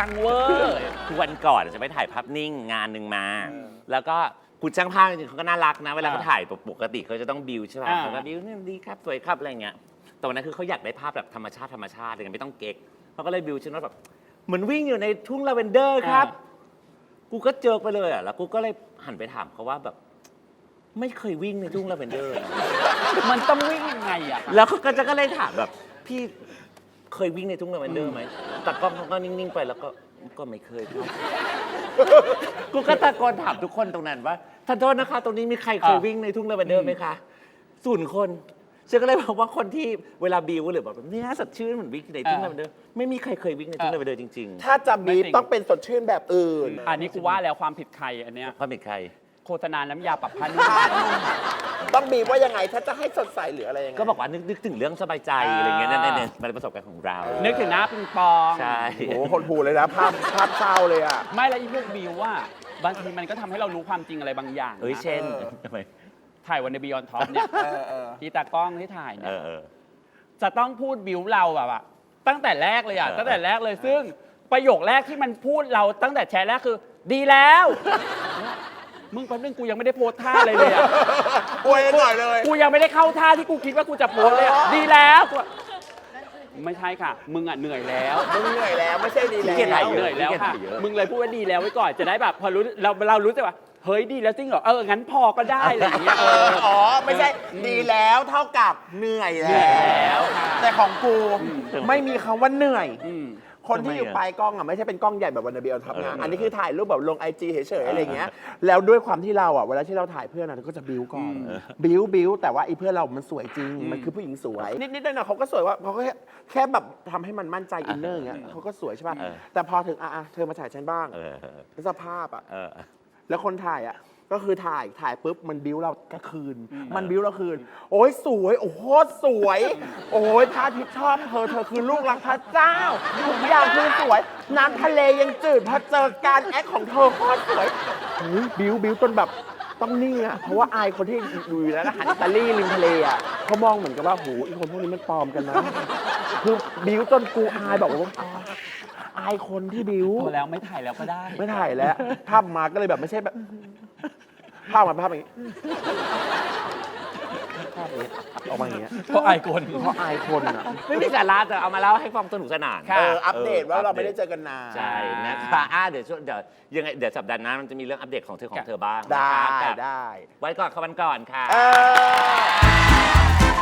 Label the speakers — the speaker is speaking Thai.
Speaker 1: งเวอร์
Speaker 2: คือวันก่อนจะไปถ่ายภาพนิ่งงานหนึ่งมา แล้วก็คุณช่างภาพจริงๆเขาก็น่ารักนะเวลาเขาถ่ายปกติเขาจะต้องบิวใช่ป่ะเขาก็บิวนี่ดีครับสวยครับอะไรเงี้ยแต่วันนั้นคือเขาอยากได้ภาพแบบธรรมชาติอะไรเงี้ยไม่ต้องเก๊กเขาก็เลยบิวฉันว่าแบบเหมือนวิ่งอยู่ในทุ่งลาเวนเดอร์ครับกูก็เจอไปเลยอ่ะแล้วกูก็เลยหันไปถามเขาว่าแบบไม่เคยวิ่งในทุ่งลาเวนเดอร์
Speaker 1: มันต้องวิ่งยังไงอ่ะ
Speaker 2: แล้วเขาก็เลยถามแบบพี่เคยวิ่งในทุ่งลาเวนเดอร์ไหมแต่กล้องเขาก็นิ่งๆไปแล้วก็ไม่เคยครับกูก็ตะโกนถามทุกคนตรงนั้นว่าท่านโทษนะคะตรงนี้มีใครเคยวิ่งในทุ่งลาเวนเดอร์ไหมคะ0 คนฉันก็เลยบอกว่าคนที่เวลาบิวหรือแบบเนี่ยสดชื่นเหมือนวิ่งในทุ่งลาเวนเดอร์ไม่มีใครเคยวิ่งในทุ่งลาเวนเดอร์จริงๆ
Speaker 3: ถ้าจะบีบต้องเป็นสดชื่นแบบอื่น
Speaker 1: อันนี้กูว่าแล้วความผิดใครอันเนี้ย
Speaker 2: ความผิดใคร
Speaker 1: โฆษณาน้ำยาปรับผ้านุ่ม
Speaker 3: ต้องบีบว่ายังไงถ้าจะให้สดใสหรืออะไรยังไง
Speaker 2: ก็บอกว่านึกถึงเรื่องสบายใจอะไรเงี้ยนั่นมันเป็นประสบการณ์ของเรา
Speaker 1: นึกถึงหน้าปิงปอง
Speaker 2: ใช่
Speaker 3: โอ้โหคนผูเลยนะภาพเศร้าเลยอ่ะ
Speaker 1: ไม่แล้วอีพวกบิวว่าบางทีมันก็ทำให้เรารู้ความจริงอะไรบางอย่าง
Speaker 2: เช่นทำไม
Speaker 1: ถ่ายวันในบิยอนท็อปเนี่ยที่ตากล้องที่ถ่ายเนี่ยจะต้องพูดบิวเราแบบตั้งแต่แรกเลยอ่ะตั้งแต่แรกเลยซึ่งประโยคแรกที่มันพูดเราตั้งแต่แชร์แรกคือดีแล้วมึงแป๊บนึงกูยังไม่ได้โพสท่าเลยอ่ะ
Speaker 3: อวยหน่อยเลย
Speaker 1: กูยังไม่ได้เข้าท่าที่กูคิดว่ากูจะโพสเลยดีแล้วไม่ใช่ค่ะมึงอ่ะเหนื่อยแล้ว
Speaker 3: มึงเหนื่อยแล้วไม่ใช่ดีแล้ว
Speaker 1: เหนื่อยแล้วค่ะมึงเลยพูดว่าดีแล้วไว้ก่อนจะได้แบบพอรู้เรารู้สึกว่าเฮ้ยดีแล้วจริงเหรองั้นพอก็ได้อะไรอย่างเงี้ย
Speaker 3: อ๋อไม่ใช่ดีแล้วเท่ากับเหนื่อยแล้วแต่ของกูไม่มีคำว่าเหนื่อยคนที่อยู่ปลายกล้องอ่ะไม่ใช่เป็นกล้องใหญ่แบบวันนาเบลทำงานอันนี้คือถ่ายรูปแบบลง IG เฉยๆอะไรอย่างเงี้ยแล้วด้วยความที่เราอ่ะเวลาที่เราถ่ายเพื่อนเราก็จะบิ้วก่อนบิ้วแต่ว่าไอ้เพื่อนเรามันสวยจริงมันคือผู้หญิงสวยนิดๆหน่อยๆเขาก็สวยว่าเขาก็แค่แบบทำให้มันมั่นใจอินเนอร์อย่างเงี้ยเขาก็สวยใช่ป่ะแต่พอถึงเธอมาถ่ายฉันบ้างแล้วสภาพอ่ะแล้วคนถ่ายอ่ะก็คือถ่ายปุ๊บมันบิ้วเราก็คืนมันบิ้วเราคืนโอ้ยสวยโอ้โหสวยโอ้ยพระอาทิตย์ชอบเธอคือลูกรักพระเจ้าทุกอย่างคือสวยน้ำทะเลยังจืดพอเจอการแอคของเธอโคตรสวยบิ้วจนแบบต้องนิ่งอ่ะเพราะว่าอายคนที่อยู่แล้วนะหันอิตาลีริมทะเลอ่ะเขามองเหมือนกับว่าโหอีคนพวกนี้มันปลอมกันนะคือบิ้วจนกูอายบอกว่าอายคนที่บิ้ว
Speaker 1: พอแล้วไม่ถ่ายแล้วก็ได้
Speaker 3: ไม่ถ่ายแล้วภาพมาก็เลยแบบไม่ใช่แบบภาพอย่างนี้ภาพนี้ออกมาอย่างเงี้ย
Speaker 1: เพราะอายคน
Speaker 3: อ่ะ
Speaker 2: ไม่มีสาระแต่เอามาเล่าให้ฟังสนุกสนาน
Speaker 3: อัปเดตว่าเราไม่ได้เจอกันนาน
Speaker 2: ใช่นะคะเดี๋ยวสัปดาห์หน้ามันจะมีเรื่องอัปเดตของเธอบ้าง
Speaker 3: ได้
Speaker 2: ไว้ก่อนค่ะวันก่อนค่ะ